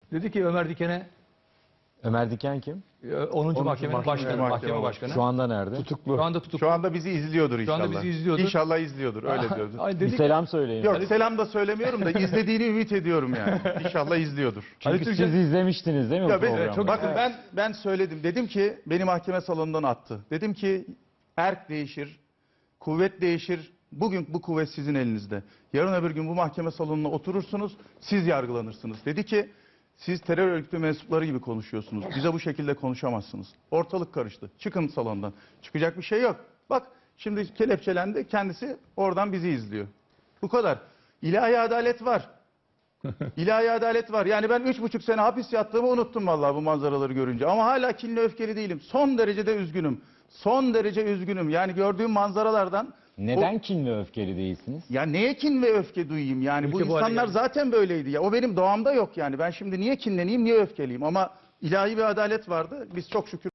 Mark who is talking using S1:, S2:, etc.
S1: Dedi ki Ömer Diken'e,
S2: Ömer Diken kim?
S1: 10. mahkemenin başkanı, mahkeme başkanı.
S2: Şu anda nerede?
S3: Tutuklu.
S1: Şu anda tutuklu.
S4: Şu anda bizi izliyordur inşallah.
S1: Şu anda bizi izliyordur.
S4: İnşallah izliyordur. Öyle diyordu.
S1: Ay
S2: Bir
S1: dedik,
S2: selam söyleyin.
S4: Yok selam da söylemiyorum da izlediğini ümit ediyorum yani. İnşallah izliyordur.
S2: Çünkü
S1: Ali Türkçe-
S2: siz izlemiştiniz değil mi bu
S4: Ya
S2: programı?
S1: çok-
S4: bakın ben söyledim. Dedim ki beni mahkeme salonundan attı. Dedim ki erk değişir, kuvvet değişir. Bugün bu kuvvet sizin elinizde. Yarın öbür gün bu mahkeme salonuna oturursunuz, siz yargılanırsınız. Dedi ki siz terör örgütü mensupları gibi konuşuyorsunuz. Bize bu şekilde konuşamazsınız. Ortalık karıştı. Çıkın salondan. Çıkacak bir şey yok. Bak şimdi kelepçelendi. Kendisi oradan bizi izliyor. Bu kadar. İlahi adalet var. İlahi adalet var. Yani ben 3,5 sene hapis yattığımı unuttum vallahi bu manzaraları görünce. Ama hala kinli öfkeli değilim. Son derecede üzgünüm. Son derece üzgünüm. Yani gördüğüm manzaralardan...
S2: Neden kin ve öfkeli değilsiniz?
S4: Ya neye kin ve öfke duyayım yani? Bu
S1: Ülke bu hale
S4: insanlar
S1: geldi.
S4: zaten böyleydi. Ya o benim doğamda yok yani. Ben şimdi niye kinleneyim, niye öfkeliyim? Ama ilahi bir adalet vardı. Biz çok şükür